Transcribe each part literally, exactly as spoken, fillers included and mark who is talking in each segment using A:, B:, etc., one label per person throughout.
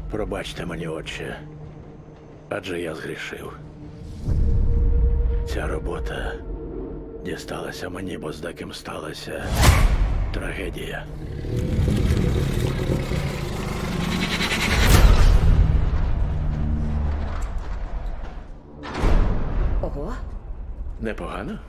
A: Пробачте мені, отче, адже я згрішив. Ця робота дісталася мені, бо з деким сталася трагедія.
B: Ого.
A: Непогано?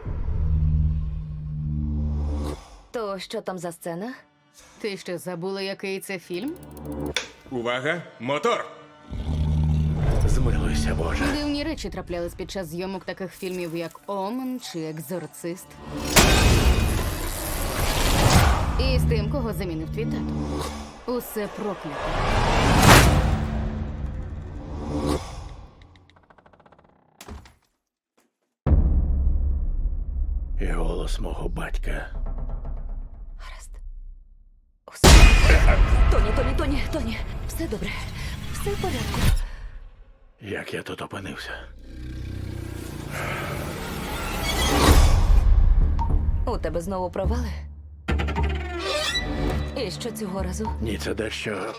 B: То що там за сцена?
C: Ти що, забула, який це фільм?
D: Увага! Мотор!
A: Змилуйся, Боже.
C: Дивні речі траплялись під час зйомок таких фільмів, як Омен чи Екзорцист. І з тим, кого замінив твій тато. Усе проклято.
A: І голос мого батька.
B: Гаразд. Усе. Тоні, Тоні, Тоні, Тоні. Все добре. Все в порядку.
A: Як я тут опинився?
B: У тебе знову провали? І що цього разу?
A: Ні, це дещо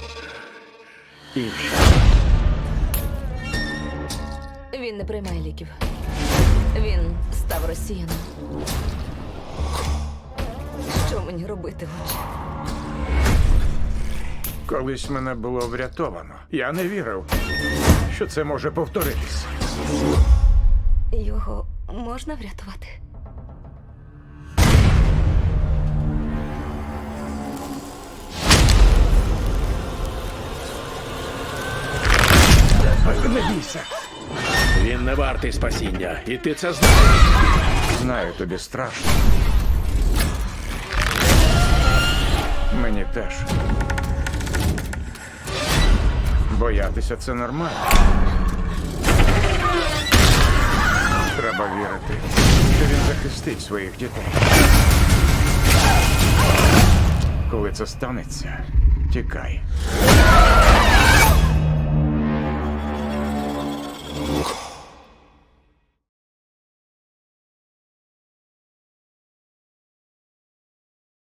A: інше.
B: Він не приймає ліків. Він став росіяном. Що мені робити, отче?
E: Колись мене було врятовано. Я не вірив, що це може повторитись.
B: Його можна врятувати?
E: Не бійся.
A: Він не вартий спасіння, і ти це знаєш.
E: Знаю, тобі страшно. Мені теж. Боятися це нормально. Треба вірити, що він захистить своїх дітей. Коли це станеться, тікай.